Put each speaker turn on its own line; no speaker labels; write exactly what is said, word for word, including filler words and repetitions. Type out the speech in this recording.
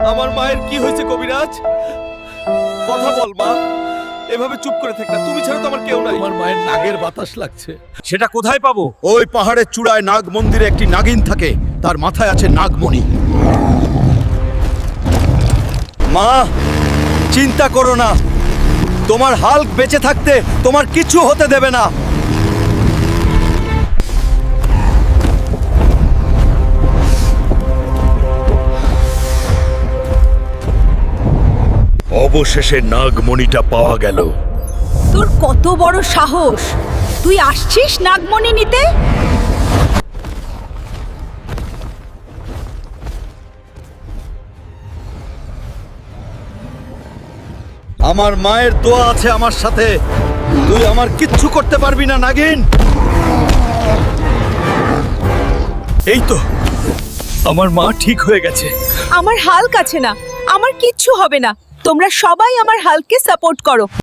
আমার মায়ের কি হয়েছে কবিরাজ? কথা বল মা, এভাবে চুপ করে থাক না, তুমি ছাড়া তো আমার কেউ নাই।
আমার মায়ের নাগের বাতাস লাগছে।
সেটা কোথায় পাবো?
ওই পাহাড়ের চূড়ায় নাগ মন্দিরে একটি নাগিন থাকে, তার মাথায় আছে নাগমণি। মা, চিন্তা করো না, তোমার হাল্ক বেঁচে থাকতে তোমার কিছু হতে দেবে না।
অবশেষে নাগমণিটা পাওয়া গেল।
তোর কত বড় সাহস, তুই আসছিস নাগমণি নিতে?
আমার মায়ের দোয়া আছে আমার সাথে, তুই আমার কিচ্ছু করতে পারবি না নাগিন।
এই তো, আমার মা ঠিক হয়ে গেছে।
আমার হাল্ক আছে না, আমার কিচ্ছু হবে না। তোমরা সবাই আমার হাল্ককে সাপোর্ট করো।